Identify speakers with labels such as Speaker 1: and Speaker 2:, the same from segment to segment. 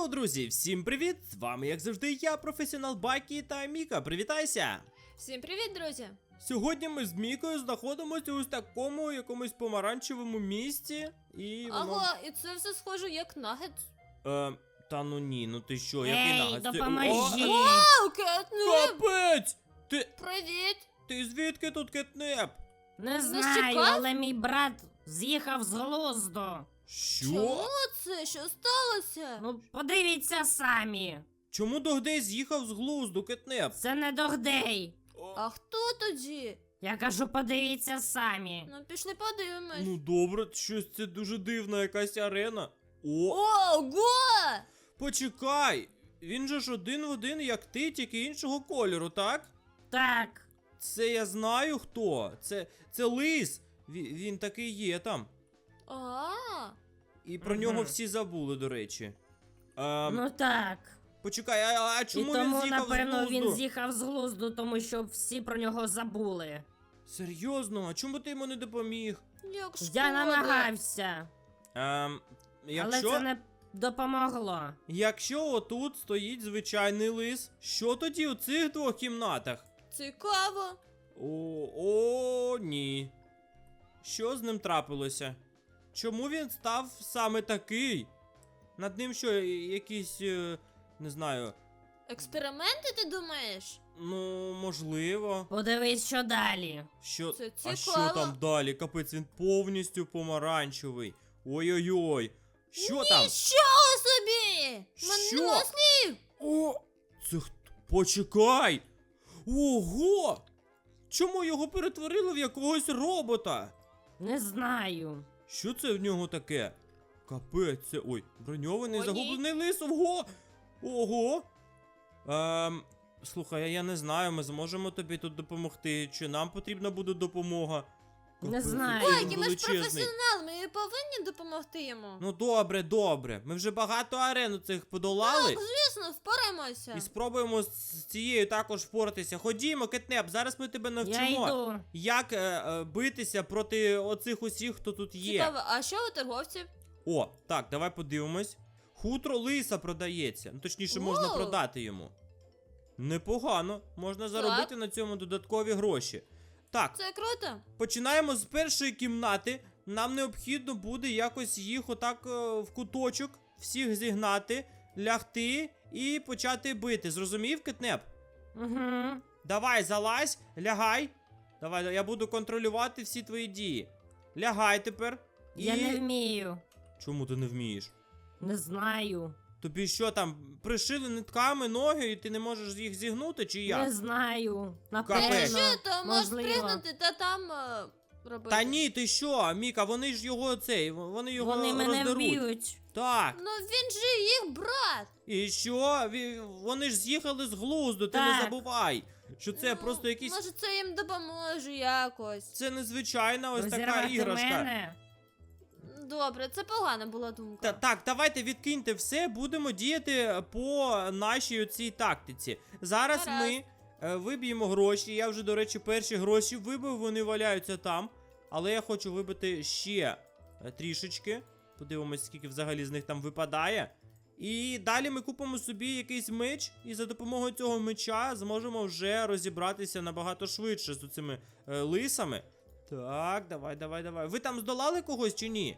Speaker 1: Йоу, друзі, всім привіт! З вами, як завжди, я, професіонал Бакі та Міка. Привітайся!
Speaker 2: Всім привіт, друзі!
Speaker 1: Сьогодні ми з Мікою знаходимося у такому якомусь помаранчевому місці. І воно...
Speaker 2: Ага, і це все схоже як нагетс.
Speaker 1: Та ну ні, ну ти що, який
Speaker 3: Ей,
Speaker 1: нагадь?
Speaker 3: допоможіть!
Speaker 2: Вау, кетнеп!
Speaker 1: Капець!
Speaker 2: Привіт!
Speaker 1: Ти звідки тут кетнеп?
Speaker 3: Не
Speaker 2: Нас
Speaker 3: знаю,
Speaker 2: чекав?
Speaker 3: але мій брат з'їхав з глузду.
Speaker 2: Чому
Speaker 1: Що?
Speaker 2: це? Що сталося?
Speaker 3: Ну, подивіться самі.
Speaker 1: Чому Догдей з'їхав з глузду, кетнеп?
Speaker 3: Це не Догдей.
Speaker 2: А хто тоді?
Speaker 3: Я кажу, подивіться самі.
Speaker 2: Ну, пішли подивимось.
Speaker 1: Ну добре, щось це дуже дивна якась арена. О,
Speaker 2: Ого!
Speaker 1: почекай! Він же ж один в один, як ти, тільки іншого кольору, так?
Speaker 3: Так.
Speaker 1: Це я знаю хто. Це лис. Він такий є там.
Speaker 2: А,
Speaker 1: І про
Speaker 3: Мгм.
Speaker 1: нього всі забули, до речі.
Speaker 3: Ну так.
Speaker 1: Почекай, а
Speaker 3: І
Speaker 1: чому
Speaker 3: тому,
Speaker 1: він з'їхав з
Speaker 3: напевно,
Speaker 1: глузду?
Speaker 3: він з'їхав з глузду, тому що всі про нього забули.
Speaker 1: Серйозно? А чому ти йому не допоміг?
Speaker 2: як шкода.
Speaker 3: Я намагався, але
Speaker 1: Якщо,
Speaker 3: це не допомогло.
Speaker 1: якщо отут стоїть звичайний лис, що тоді у цих двох кімнатах?
Speaker 2: Цікаво.
Speaker 1: О, ні. Що з ним трапилося? Чому він став саме такий? Над ним що, якісь, не знаю,
Speaker 2: Експерименти, ти думаєш?
Speaker 1: ну, можливо.
Speaker 3: Подивись, що далі.
Speaker 1: Що?
Speaker 2: Це
Speaker 1: А що
Speaker 2: цікаво.
Speaker 1: там далі? Капець, він повністю помаранчевий. Ой-ой-ой. Що там?
Speaker 2: Нічого собі! Мене
Speaker 1: Що?
Speaker 2: нема слів!
Speaker 1: О! Це хто? Почекай! Ого! Чому його перетворили в якогось робота?
Speaker 3: Не знаю.
Speaker 1: Що це в нього таке? Капець, це. Ой, броньований
Speaker 2: О, ні.
Speaker 1: загублений лис, ого! Ого! Слухай, я не знаю, ми зможемо тобі тут допомогти. Чи нам потрібна буде допомога?
Speaker 3: Не
Speaker 1: Капець,
Speaker 3: знаю.
Speaker 1: який
Speaker 2: Ой,
Speaker 1: він
Speaker 2: які ми ж
Speaker 1: величезний.
Speaker 2: професіонали, ми повинні допомогти йому.
Speaker 1: Ну добре, добре. Ми вже багато арен цих подолали.
Speaker 2: Так, звісно, впораємося.
Speaker 1: І спробуємо з цією також впоратися. Ходімо, кетнеп, зараз ми тебе
Speaker 3: Я
Speaker 1: навчимо,
Speaker 3: йду.
Speaker 1: як битися проти оцих усіх, хто тут є.
Speaker 2: Цікаво, а що у торговців?
Speaker 1: О, так, давай подивимось. Хутро лиса продається. Ну, точніше, можна
Speaker 2: Воу.
Speaker 1: продати йому. Непогано. Можна заробити на цьому додаткові гроші. Так,
Speaker 2: Це круто.
Speaker 1: починаємо з першої кімнати. Нам необхідно буде якось їх отак в куточок, всіх зігнати, лягти і почати бити. Зрозумів, кетнеп?
Speaker 3: Угу.
Speaker 1: Давай, залазь, лягай. Давай, я буду контролювати всі твої дії. Лягай тепер.
Speaker 3: Я не вмію.
Speaker 1: Чому ти не вмієш?
Speaker 3: Не знаю.
Speaker 1: Тобі що там, пришили нитками ноги і ти не можеш їх зігнути, чи як?
Speaker 3: Не знаю.
Speaker 1: Капець.
Speaker 3: Напевно.
Speaker 2: Що, то можеш
Speaker 3: можливо.
Speaker 2: пригнути та там робити.
Speaker 1: Та ні, ти що, Міка, вони ж його вони його
Speaker 3: Вони мене
Speaker 1: роздеруть.
Speaker 3: вб'ють.
Speaker 1: Так.
Speaker 2: Ну він же їх брат.
Speaker 1: І що? Вони ж з'їхали з глузду, ти не
Speaker 3: Так.
Speaker 1: забувай. Що це
Speaker 2: Ну,
Speaker 1: просто якісь.
Speaker 2: Може це їм допоможе якось.
Speaker 1: Це незвичайна ось така
Speaker 3: Розірвати
Speaker 1: іграшка.
Speaker 3: мене.
Speaker 2: Добре, це погана була думка.
Speaker 1: Так, давайте відкиньте все, будемо діяти по нашій оцій тактиці. Зараз
Speaker 2: Гаразд.
Speaker 1: ми виб'ємо гроші. Я вже, до речі, перші гроші вибив, вони валяються там. Але я хочу вибити ще трішечки. Подивимось, скільки взагалі з них там випадає. І далі ми купимо собі якийсь меч, і за допомогою цього меча зможемо вже розібратися набагато швидше з цими лисами. Так, давай. Ви там здолали когось чи ні?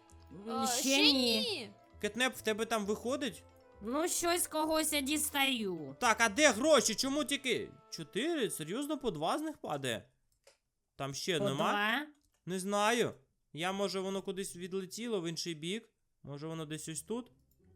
Speaker 3: Ще ні.
Speaker 1: Кетнеп, в тебе там виходить?
Speaker 3: Ну, щось когось я дістаю.
Speaker 1: Так, а де гроші? Чому тільки 4? Серйозно, по 2 з них падає? Там ще
Speaker 3: По
Speaker 1: нема?
Speaker 3: 2.
Speaker 1: Не знаю. Може воно кудись відлетіло в інший бік? Може воно десь ось тут?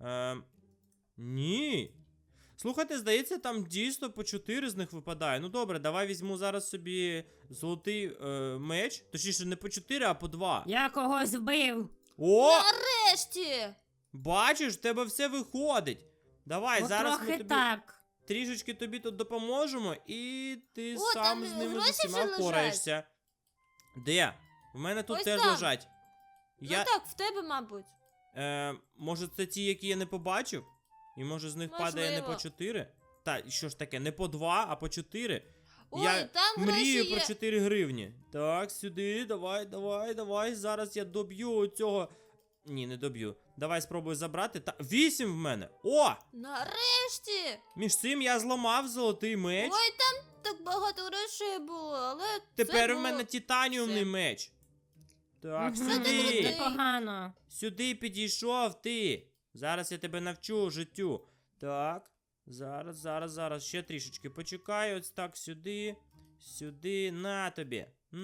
Speaker 1: Ні. Слухайте, здається, там дійсно по 4 з них випадає. Ну добре, давай візьму зараз собі золотий меч. Точніше, не по 4, а по 2.
Speaker 3: Я когось вбив.
Speaker 1: О!
Speaker 2: Нарешті!
Speaker 1: Бачиш, в тебе все виходить. Давай,
Speaker 3: Ну,
Speaker 1: зараз
Speaker 3: трохи
Speaker 1: ми тобі
Speaker 3: так.
Speaker 1: трішечки тобі тут допоможемо, і ти
Speaker 2: О,
Speaker 1: сам
Speaker 2: там
Speaker 1: з ними з
Speaker 2: гроші
Speaker 1: усіма
Speaker 2: вже лежать.
Speaker 1: впораєшся. Де? В мене тут
Speaker 2: Ось
Speaker 1: теж
Speaker 2: там.
Speaker 1: лежать.
Speaker 2: Ну так, в тебе, мабуть.
Speaker 1: Може це ті, які я не побачив? І може з них падає не по
Speaker 2: Можливо.
Speaker 1: 4? Та, і що ж таке, не по 2, а по 4?
Speaker 2: Ой,
Speaker 1: Я
Speaker 2: там
Speaker 1: мрію
Speaker 2: гроші
Speaker 1: про
Speaker 2: є.
Speaker 1: 4 гривні. Так, сюди, давай. Зараз я доб'ю цього Ні, не доб'ю. Давай спробую забрати. 8 в мене. О!
Speaker 2: Нарешті!
Speaker 1: Між цим я зламав золотий меч.
Speaker 2: Ой, там так багато грошей було, але
Speaker 1: Тепер
Speaker 2: це
Speaker 1: в мене
Speaker 2: було...
Speaker 1: тітаніумний
Speaker 2: все.
Speaker 1: меч. Так,
Speaker 3: Мгм,
Speaker 1: сюди.
Speaker 3: Непогано.
Speaker 1: Сюди підійшов ти. Зараз я тебе навчу життю. Так. Зараз. Ще трішечки почекаю. Ось так, сюди. Сюди. На тобі.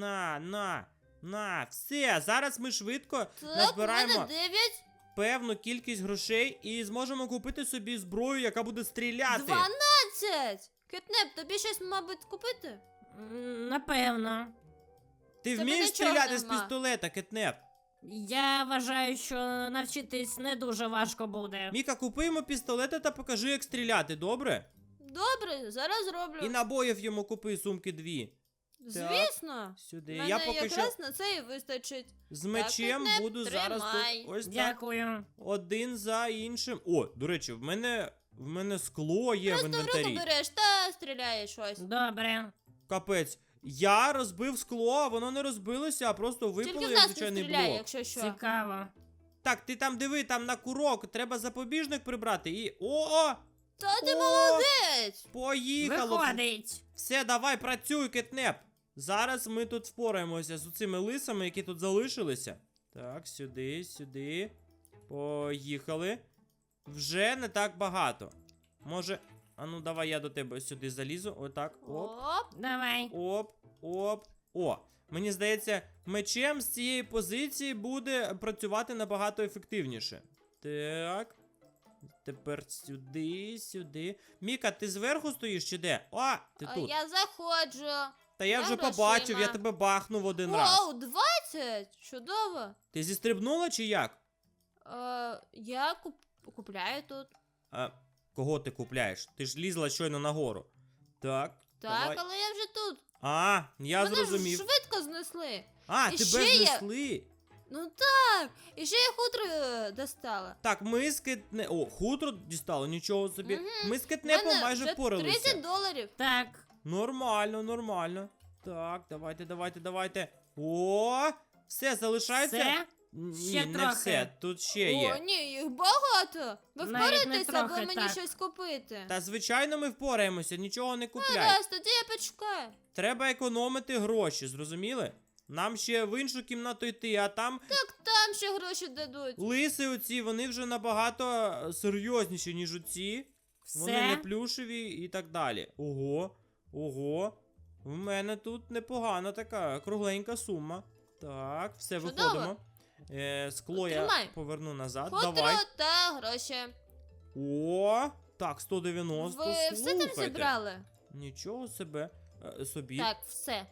Speaker 1: На. Все. Зараз ми швидко
Speaker 2: Так, у
Speaker 1: назбираємо
Speaker 2: мене 9,
Speaker 1: певну кількість грошей і зможемо купити собі зброю, яка буде стріляти.
Speaker 2: 12! Кетнеп, тобі щось, мабуть, купити?
Speaker 3: Напевно.
Speaker 1: Ти
Speaker 2: Тебе
Speaker 1: вмієш
Speaker 2: нічого
Speaker 1: стріляти з
Speaker 2: нема.
Speaker 1: пістолета, Кетнеп?
Speaker 3: Я вважаю, що навчитись не дуже важко буде.
Speaker 1: Міка, купи йому пістолета та покажи, як стріляти, добре?
Speaker 2: Добре, зараз зроблю.
Speaker 1: І набоїв йому купи сумки 2.
Speaker 2: Звісно.
Speaker 1: Сюди.
Speaker 2: Мене
Speaker 1: Я поки
Speaker 2: якраз
Speaker 1: що
Speaker 2: на це і вистачить.
Speaker 1: з мечем
Speaker 2: Кетнеп,
Speaker 1: буду зараз
Speaker 2: тримай.
Speaker 1: тут ось так.
Speaker 3: Дякую.
Speaker 1: Один за іншим. О, до речі, в мене скло є в
Speaker 2: Просто в руку
Speaker 1: інвентарі.
Speaker 2: береш та стріляєш щось.
Speaker 3: Добре.
Speaker 1: Капець. Я розбив скло, а воно не розбилося, а просто
Speaker 2: Тільки
Speaker 1: випало
Speaker 2: в
Speaker 1: як
Speaker 2: нас не
Speaker 1: звичайний
Speaker 2: стріляє,
Speaker 1: блок.
Speaker 2: якщо що.
Speaker 3: Цікаво.
Speaker 1: Так, ти там диви, там на курок, треба запобіжник прибрати і. О!
Speaker 2: Та ти
Speaker 1: О!
Speaker 2: молодець!
Speaker 1: Поїхало!
Speaker 3: Виходить.
Speaker 1: Все, давай, працюй, Кетнеп. Зараз ми тут впораємося з цими лисами, які тут залишилися. Так, сюди. Поїхали. Вже не так багато. Може. А ну давай я до тебе сюди залізу. Отак. Оп.
Speaker 3: Давай.
Speaker 1: Оп. О. Мені здається, мечем з цієї позиції буде працювати набагато ефективніше. Так. Тепер сюди. Міка, ти зверху стоїш чи де? О, ти
Speaker 2: А
Speaker 1: тут.
Speaker 2: я заходжу.
Speaker 1: Та я вже
Speaker 2: грошима.
Speaker 1: побачив, я тебе бахнув один раз.
Speaker 2: Вау, 20! Чудово!
Speaker 1: Ти зістрибнула чи як?
Speaker 2: Я купляю тут.
Speaker 1: А, кого ти купляєш? Ти ж лізла щойно нагору. Так.
Speaker 2: Так,
Speaker 1: давай.
Speaker 2: але я вже тут.
Speaker 1: А, я
Speaker 2: Мене
Speaker 1: зрозумів.
Speaker 2: ж швидко знесли.
Speaker 1: А,
Speaker 2: І
Speaker 1: тебе
Speaker 2: ще є-
Speaker 1: знесли.
Speaker 2: Ну так, і ще я хутро достала.
Speaker 1: Так, ми з Кетне... О, хутро дістало, нічого собі.
Speaker 2: Мгм.
Speaker 1: Ми з Кетнепом
Speaker 2: Мене
Speaker 1: майже
Speaker 2: вже
Speaker 1: впоралися.
Speaker 2: 30 доларів.
Speaker 3: Так.
Speaker 1: Нормально. Так, давайте. О, все, залишається.
Speaker 3: Все?
Speaker 1: Ні,
Speaker 3: Ще
Speaker 1: не
Speaker 3: трохи.
Speaker 1: все, тут ще
Speaker 2: О,
Speaker 1: є.
Speaker 2: ні, їх багато. Ви
Speaker 3: Навіть не
Speaker 2: впораєтеся, або
Speaker 3: трохи,
Speaker 2: мені
Speaker 3: так.
Speaker 2: щось купити.
Speaker 1: Та звичайно ми впораємося, нічого не купляй.
Speaker 2: Гаразд, тоді я почекаю.
Speaker 1: Треба економити гроші, зрозуміли? Нам ще в іншу кімнату йти, а там
Speaker 2: Так там ще гроші дадуть.
Speaker 1: лиси оці, вони вже набагато серйозніші, ніж оці. Вони не
Speaker 3: Все?
Speaker 1: плюшеві і так далі. Ого. В мене тут непогана така кругленька сума. Так, все,
Speaker 2: Чудово.
Speaker 1: виходимо. Скло я
Speaker 2: Тримай.
Speaker 1: поверну назад.
Speaker 2: Хутро
Speaker 1: Давай.
Speaker 2: та гроші.
Speaker 1: О, так, 190.
Speaker 2: Ви все там
Speaker 1: слухайте.
Speaker 2: зібрали?
Speaker 1: Нічого собі.
Speaker 2: Так, все.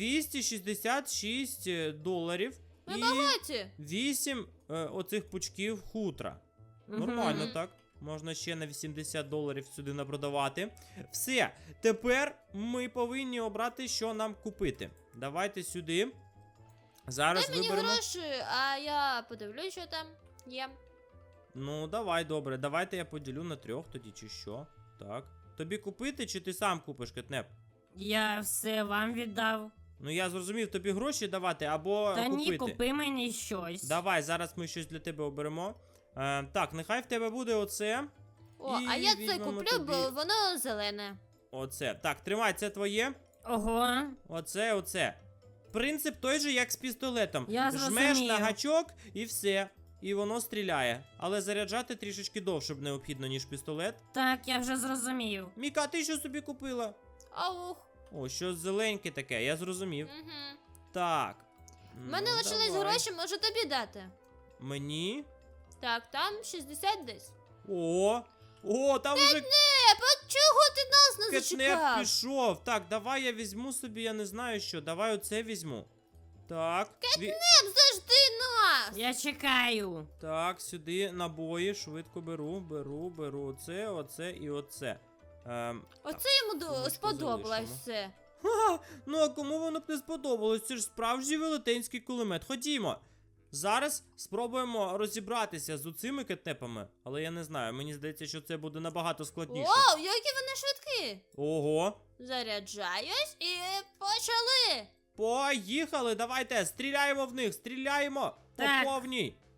Speaker 1: 266 доларів
Speaker 2: Ми
Speaker 1: і
Speaker 2: багаті.
Speaker 1: 8 оцих пучків хутра.
Speaker 3: Мгм.
Speaker 1: Нормально так. Можна ще на 80 доларів сюди напродавати. Все, тепер ми повинні обрати, що нам купити. Давайте сюди. Зараз
Speaker 2: Дай мені
Speaker 1: виберемо.
Speaker 2: гроші, а я подивлюсь, що там є.
Speaker 1: Ну, давай, добре. Давайте я поділю на 3 тоді, чи що. Так. Тобі купити, чи ти сам купиш, Кетнеп?
Speaker 3: Я все вам віддав.
Speaker 1: Ну я зрозумів, тобі гроші давати або
Speaker 3: Та
Speaker 1: купити.
Speaker 3: ні, купи мені щось.
Speaker 1: Давай, зараз ми щось для тебе оберемо. Так, нехай в тебе буде оце.
Speaker 2: О,
Speaker 1: І
Speaker 2: а я це
Speaker 1: візьмемо
Speaker 2: куплю,
Speaker 1: тобі.
Speaker 2: бо воно зелене.
Speaker 1: Оце. Так, тримай, це твоє.
Speaker 3: Ого.
Speaker 1: Оце. Принцип той же, як з пістолетом.
Speaker 3: Я
Speaker 1: Жмеш
Speaker 3: зрозумів.
Speaker 1: на гачок і все. І воно стріляє. Але заряджати трішечки довше б необхідно, ніж пістолет.
Speaker 3: Так, я вже зрозумів.
Speaker 1: Міка, ти що собі купила?
Speaker 2: Аух.
Speaker 1: О, щось зеленьке таке, я зрозумів.
Speaker 2: Угу.
Speaker 1: Так.
Speaker 2: У мене
Speaker 1: Ну,
Speaker 2: лишились
Speaker 1: давай.
Speaker 2: гроші, можу тобі дати.
Speaker 1: Мені?
Speaker 2: Так, там 60 десь.
Speaker 1: О, там вже
Speaker 2: Чого ти нас не
Speaker 1: Кетнеп
Speaker 2: зачекав?
Speaker 1: пішов. Так, давай я візьму собі, я не знаю що. Давай оце візьму. Так.
Speaker 2: Завжди нас!
Speaker 3: Я чекаю.
Speaker 1: Так, сюди набої, швидко беру. Оце і оце.
Speaker 2: Оце йому
Speaker 1: сумочку
Speaker 2: сподобалось
Speaker 1: залишимо.
Speaker 2: все.
Speaker 1: Ха, ну а кому воно б не сподобалось? Це ж справжній велетенський кулемет. Ходімо. Зараз спробуємо розібратися з оцими кетнепами, але я не знаю, мені здається, що це буде набагато складніше.
Speaker 2: Вау, які вони швидкі!
Speaker 1: Ого.
Speaker 2: Заряджаюсь і почали!
Speaker 1: Поїхали, давайте, стріляємо в них, стріляємо
Speaker 3: Так.
Speaker 1: по повній.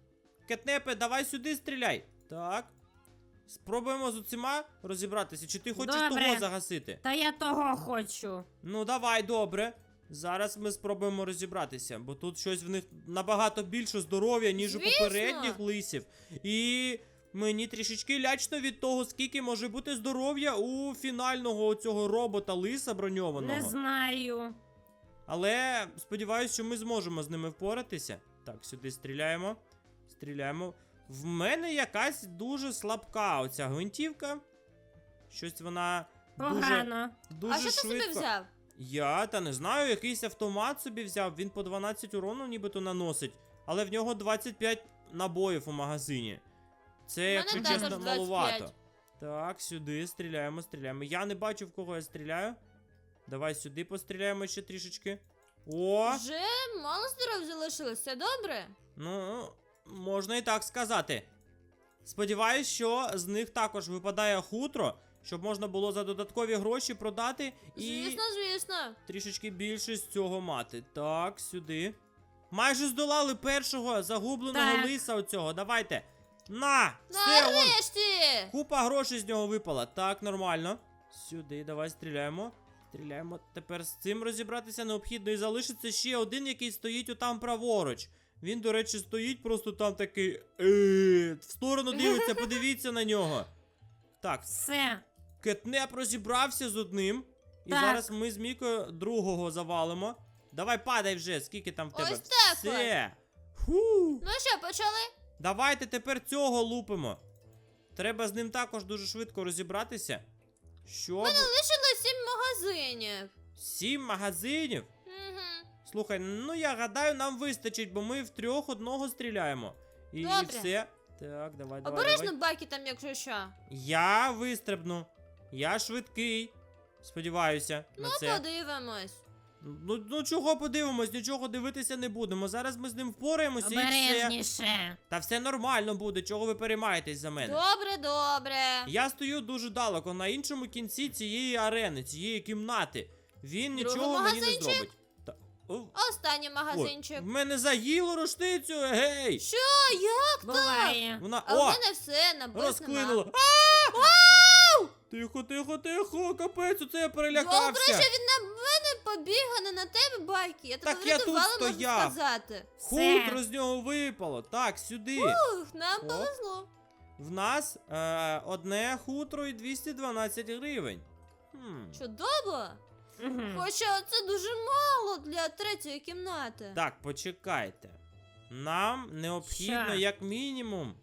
Speaker 1: Кетнепе, давай сюди стріляй. Так. Спробуємо з оцима розібратися. Чи ти хочеш
Speaker 3: Добре.
Speaker 1: того загасити?
Speaker 3: Та я того хочу.
Speaker 1: Ну, давай, добре. Зараз ми спробуємо розібратися, бо тут щось в них набагато більше здоров'я, ніж у
Speaker 2: Звісно.
Speaker 1: попередніх лисів. І мені трішечки лячно від того, скільки може бути здоров'я у фінального цього робота лиса броньованого.
Speaker 3: Не знаю.
Speaker 1: Але сподіваюся, що ми зможемо з ними впоратися. Так, сюди стріляємо. Стріляємо. В мене якась дуже слабка оця гвинтівка. Щось вона
Speaker 3: Погано.
Speaker 1: дуже
Speaker 2: А що ти
Speaker 1: швидко.
Speaker 2: собі взяв?
Speaker 1: Я та не знаю, якийсь автомат собі взяв. Він по 12 урону нібито наносить, але в нього 25 набоїв у магазині. Це,
Speaker 2: мене
Speaker 1: якщо
Speaker 2: також
Speaker 1: чесно,
Speaker 2: 25.
Speaker 1: маловато. Так, сюди стріляємо, стріляємо. Я не бачу, в кого я стріляю. Давай сюди постріляємо ще трішечки. О!
Speaker 2: Вже мало здоров залишилось, все добре?
Speaker 1: Ну, можна і так сказати. Сподіваюсь, що з них також випадає хутро, щоб можна було за додаткові гроші продати і
Speaker 2: Звісно, звісно.
Speaker 1: трішечки більше з цього мати. Так, сюди. Майже здолали першого загубленого
Speaker 3: Так.
Speaker 1: лиса оцього. Давайте. На! Все, вон,
Speaker 2: Нарешті!
Speaker 1: купа грошей з нього випала. Так, нормально. Сюди, давай стріляємо. Стріляємо. Тепер з цим розібратися необхідно. І залишиться ще один, який стоїть отам праворуч. Він, до речі, стоїть просто там такий. В сторону дивиться, подивіться на нього. Так,
Speaker 3: Все.
Speaker 1: Кетнеп розібрався з одним. І
Speaker 3: Так.
Speaker 1: зараз ми з Мікою другого завалимо. Давай падай вже, скільки там в тебе.
Speaker 2: Ось так
Speaker 1: Все. Фу.
Speaker 2: Ну що, почали?
Speaker 1: Давайте тепер цього лупимо. Треба з ним також дуже швидко розібратися. Щоб...
Speaker 2: Лишилось 7 магазинів.
Speaker 1: 7 магазинів?
Speaker 2: Угу.
Speaker 1: Слухай, ну я гадаю, нам вистачить, бо ми втрьох одного стріляємо. І
Speaker 2: Добре.
Speaker 1: все. Так, давай, давай,
Speaker 2: Обережно
Speaker 1: давай.
Speaker 2: баки там, якщо що.
Speaker 1: Я вистрибну. Я швидкий. Сподіваюся на
Speaker 2: Ну,
Speaker 1: це.
Speaker 2: подивимось.
Speaker 1: Ну чого подивимось, нічого дивитися не будемо. Зараз ми з ним впораємося і все.
Speaker 3: Обережніше.
Speaker 1: Та все нормально буде, чого ви переймаєтесь за мене.
Speaker 2: Добре, добре.
Speaker 1: Я стою дуже далеко, на іншому кінці цієї арени, цієї кімнати. Він
Speaker 2: Другий
Speaker 1: нічого мені не
Speaker 2: магазинчик?
Speaker 1: зробить. Та... О,
Speaker 2: Останній магазинчик.
Speaker 1: в мене заїло рушницю, гей!
Speaker 2: Що? Як?
Speaker 3: Буває.
Speaker 1: Вона,
Speaker 2: А в
Speaker 1: о,
Speaker 2: мене все, набив
Speaker 1: розклинула.
Speaker 2: нема.
Speaker 1: Тихо, тихо, тихо, капець, оце я
Speaker 2: Добре,
Speaker 1: перелякався.
Speaker 2: що він на мене побіг, а не на тебе, Байки. Я тебе
Speaker 1: Так я тут
Speaker 2: врятувала, можу
Speaker 1: стояв.
Speaker 2: сказати.
Speaker 1: Хутро з нього випало. Так, сюди.
Speaker 2: Ух, нам
Speaker 1: Оп.
Speaker 2: повезло.
Speaker 1: В нас одне хутро і 212 гривень.
Speaker 2: Чудово.
Speaker 3: Мгм.
Speaker 2: Хоча це дуже мало для третьої кімнати.
Speaker 1: Так, почекайте. Нам необхідно
Speaker 3: Що?
Speaker 1: як мінімум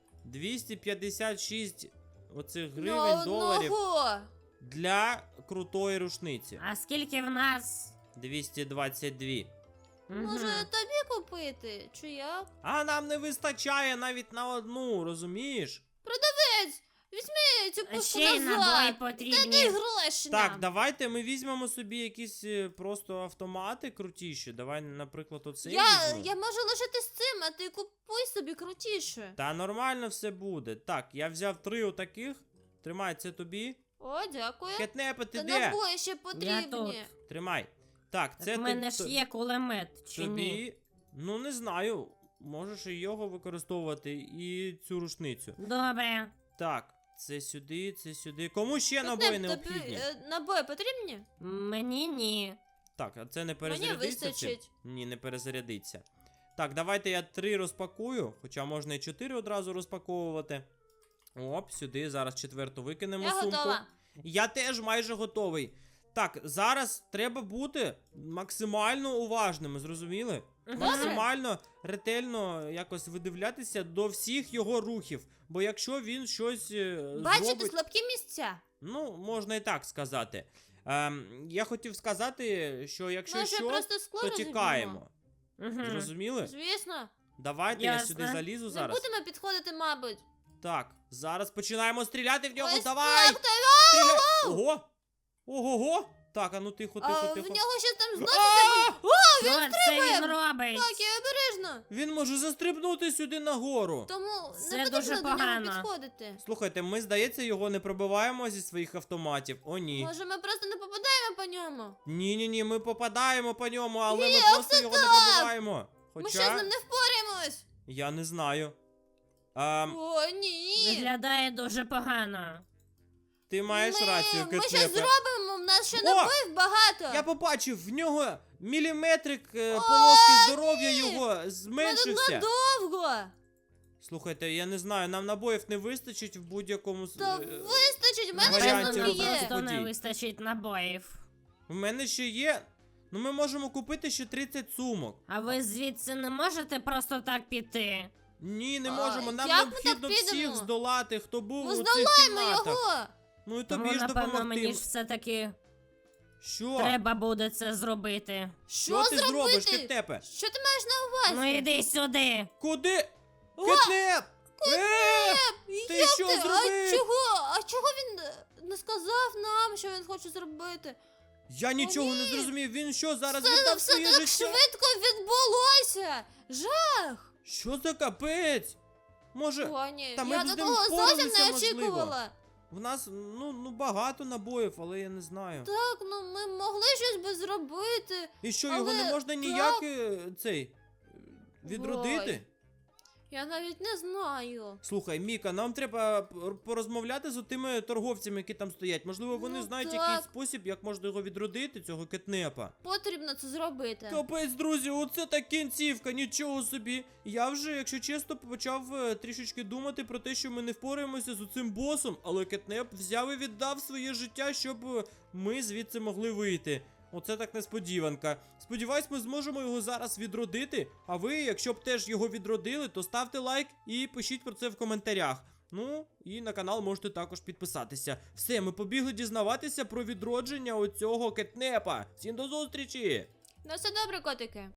Speaker 1: 256 оцих
Speaker 2: На
Speaker 1: гривень доларів
Speaker 2: одного.
Speaker 1: для крутої рушниці.
Speaker 3: А скільки в нас?
Speaker 1: 222.
Speaker 3: Мгм.
Speaker 2: Може тобі купити? Чи як?
Speaker 1: А нам не вистачає навіть на одну, розумієш?
Speaker 2: Продавець, візьми цю пушку
Speaker 3: Ще й набої
Speaker 2: назад. Дай
Speaker 3: потрібні.
Speaker 2: гроші
Speaker 1: Так,
Speaker 2: нам.
Speaker 1: давайте ми візьмемо собі якісь просто автомати крутіші. Давай, наприклад, оцей
Speaker 2: Я
Speaker 1: візьму.
Speaker 2: можу лишити з цим, а ти купуй собі крутіше.
Speaker 1: Та нормально все буде. Так, я взяв 3 отаких. Тримай, це тобі.
Speaker 2: О, дякую.
Speaker 1: Кетнепе, ти
Speaker 2: Та
Speaker 1: де?
Speaker 2: набої ще
Speaker 3: Я
Speaker 2: потрібні.
Speaker 3: тут.
Speaker 1: Тримай. Так, це
Speaker 3: В мене
Speaker 1: тобі.
Speaker 3: ж є кулемет, чи ні?
Speaker 1: Тобі. Ну, не знаю. Можеш і його використовувати, і цю рушницю.
Speaker 3: Добре.
Speaker 1: Так, це сюди, це сюди. Кому ще
Speaker 2: Кетнеп,
Speaker 1: набої
Speaker 2: тобі,
Speaker 1: необхідні?
Speaker 2: набої потрібні?
Speaker 3: Мені ні.
Speaker 1: Так, а це не
Speaker 2: Мені
Speaker 1: перезарядиться? цим?
Speaker 2: вистачить.
Speaker 1: Ні, не перезарядиться. Так, давайте я 3 розпакую, хоча можна і 4 одразу розпаковувати. Оп, сюди, зараз 4-ту викинемо
Speaker 2: Я
Speaker 1: сумку.
Speaker 2: готова.
Speaker 1: Я теж майже готовий. Так, зараз треба бути максимально уважними, зрозуміли?
Speaker 3: Добре.
Speaker 1: Максимально ретельно якось видивлятися до всіх його рухів. Бо якщо він щось
Speaker 2: Бачите
Speaker 1: зробить...
Speaker 2: слабкі місця?
Speaker 1: Ну, можна і так сказати. Я хотів сказати, що якщо
Speaker 2: Може,
Speaker 1: що,
Speaker 2: просто скло
Speaker 1: то
Speaker 2: розіб'ємо?
Speaker 1: тікаємо.
Speaker 3: Мгм.
Speaker 1: Зрозуміли?
Speaker 2: Звісно.
Speaker 1: Давайте я
Speaker 3: Ясно.
Speaker 1: сюди залізу
Speaker 2: Не
Speaker 1: зараз.
Speaker 2: будемо підходити, мабуть.
Speaker 1: Так, зараз починаємо стріляти в нього.
Speaker 2: Ось
Speaker 1: Давай!
Speaker 2: так,
Speaker 1: Стріляй! Ого! Ого-го! Так, а ну тихо, тихо,
Speaker 2: в
Speaker 1: тихо.
Speaker 2: нього щось там
Speaker 1: А!
Speaker 2: зноситься.
Speaker 3: Що це він робить?
Speaker 2: Так, я обережно.
Speaker 1: Він може застрибнути сюди нагору.
Speaker 2: Тому
Speaker 3: Це
Speaker 2: не потрібно
Speaker 3: дуже
Speaker 2: до нього
Speaker 3: погано.
Speaker 2: підходити.
Speaker 1: Слухайте, ми, здається, його не пробиваємо зі своїх автоматів. О, ні.
Speaker 2: Може, ми просто не попадаємо по ньому?
Speaker 1: Ні, ми попадаємо по ньому, але ми
Speaker 2: Як
Speaker 1: просто
Speaker 2: це
Speaker 1: його не
Speaker 2: так?
Speaker 1: пробиваємо.
Speaker 2: Ми що з
Speaker 1: Хоча,
Speaker 2: ним не впораємось?
Speaker 1: я не знаю.
Speaker 2: О, ні.
Speaker 3: Виглядає дуже погано.
Speaker 1: Ти маєш рацію,
Speaker 2: Ми ще
Speaker 1: Кетнепе.
Speaker 2: зробимо, в нас ще
Speaker 1: О!
Speaker 2: набоїв багато.
Speaker 1: Я побачив, в нього міліметрик полоски здоров'я його
Speaker 2: Ми тут
Speaker 1: зменшився.
Speaker 2: надовго.
Speaker 1: Слухайте, я не знаю, нам набоїв не вистачить в будь-якому
Speaker 2: Та вистачить, в мене
Speaker 1: варіанті
Speaker 2: ще
Speaker 3: Напевно,
Speaker 2: воно
Speaker 3: нам
Speaker 1: розвитку
Speaker 2: є.
Speaker 3: просто не
Speaker 1: подій.
Speaker 3: вистачить набоїв.
Speaker 1: У мене ще є. Ну ми можемо купити ще 30 сумок.
Speaker 3: А ви звідси не можете просто так піти?
Speaker 1: Ні, не
Speaker 2: А,
Speaker 1: можемо. Нам
Speaker 2: як ми
Speaker 1: необхідно
Speaker 2: так
Speaker 1: всіх
Speaker 2: підемо?
Speaker 1: здолати, хто був
Speaker 2: Ми
Speaker 1: у цих
Speaker 2: здолаємо
Speaker 1: кімнатах.
Speaker 2: його.
Speaker 1: Ну і
Speaker 3: Тому,
Speaker 1: тобі ж
Speaker 3: напевно,
Speaker 1: допомогти.
Speaker 3: мені ж все-таки
Speaker 1: Що?
Speaker 3: треба буде це зробити.
Speaker 1: Що ти
Speaker 2: зробити?
Speaker 1: зробиш, Кетнепе?
Speaker 2: Що ти маєш на увазі?
Speaker 3: Ну іди сюди.
Speaker 1: Куди? Кетнеп! Ти
Speaker 2: Як
Speaker 1: що
Speaker 2: А
Speaker 1: зробив?
Speaker 2: чого? А чого він не сказав нам, що він хоче зробити?
Speaker 1: Я нічого не
Speaker 2: ні.
Speaker 1: зрозумів. Він що, зараз
Speaker 2: Це
Speaker 1: віддав
Speaker 2: все
Speaker 1: своє
Speaker 2: так
Speaker 1: життя?
Speaker 2: швидко відбулося. Жах.
Speaker 1: Що за капець? Може,
Speaker 2: О, ні,
Speaker 1: та ми
Speaker 2: я
Speaker 1: б з
Speaker 2: до
Speaker 1: ним
Speaker 2: того зовсім
Speaker 1: впоралися,
Speaker 2: не
Speaker 1: можливо.
Speaker 2: очікувала.
Speaker 1: в нас ну багато набоїв, але я не знаю.
Speaker 2: Так, ну ми могли щось би зробити.
Speaker 1: І що, його не
Speaker 2: але
Speaker 1: можна
Speaker 2: так.
Speaker 1: ніяк відродити?
Speaker 2: Ой. Я навіть не знаю.
Speaker 1: Слухай, Міка, нам треба порозмовляти з тими торговцями, які там стоять. Можливо, вони
Speaker 2: Ну,
Speaker 1: знають
Speaker 2: так.
Speaker 1: якийсь спосіб, як можна його відродити, цього кетнепа.
Speaker 2: Потрібно це зробити.
Speaker 1: Капець, друзі, оце так кінцівка, нічого собі. Я вже, якщо чесно, почав трішечки думати про те, що ми не впораємося з цим босом, але кетнеп взяв і віддав своє життя, щоб ми звідси могли вийти. Оце так несподіванка. Сподіваюсь, ми зможемо його зараз відродити. А ви, якщо б теж його відродили, то ставте лайк і пишіть про це в коментарях. Ну, і на канал можете також підписатися. Все, ми побігли дізнаватися про відродження оцього кетнепа. Всім до зустрічі!
Speaker 2: Ну все добре, котики.